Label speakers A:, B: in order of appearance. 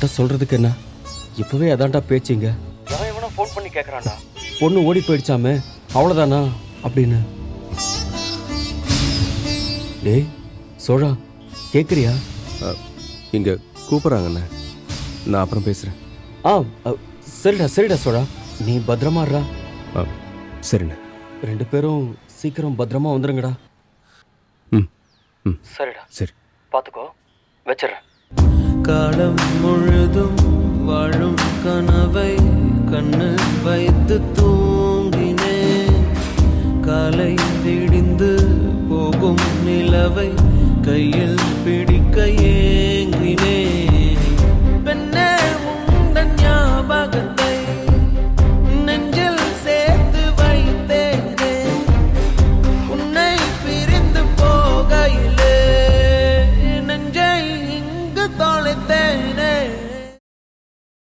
A: உன்கிட்ட சொல்றதுக்கு என்ன, இப்பவே அதான்டா பேச்சுங்க. எவன் எவனோ ஃபோன் பண்ணி கேட்கறான்டா, பொண்ணு ஓடி போயிடுச்சாமே, அவ்வளோதானா அப்படின்னு. டேய் சோழா, கேட்குறியா?
B: இங்கே கூப்பிட்றாங்கண்ணே, நான் அப்புறம் பேசுகிறேன்.
A: சரிடா சரிடா சோழா, நீ பத்திரமாடுறா.
B: சரிண்ணே.
A: 2 பேரும் சீக்கிரம் பத்திரமா வந்துருங்கடா.
B: ம் ம்
A: சரிடா,
B: சரி.
A: பார்த்துக்கோ, வச்சிடுறேன்.
C: காலம் முழுதும் வாழும் கனவை கண்ணு வைத்து தூங்கினேன். காலை விடிந்து போகும் நிலவை கையில்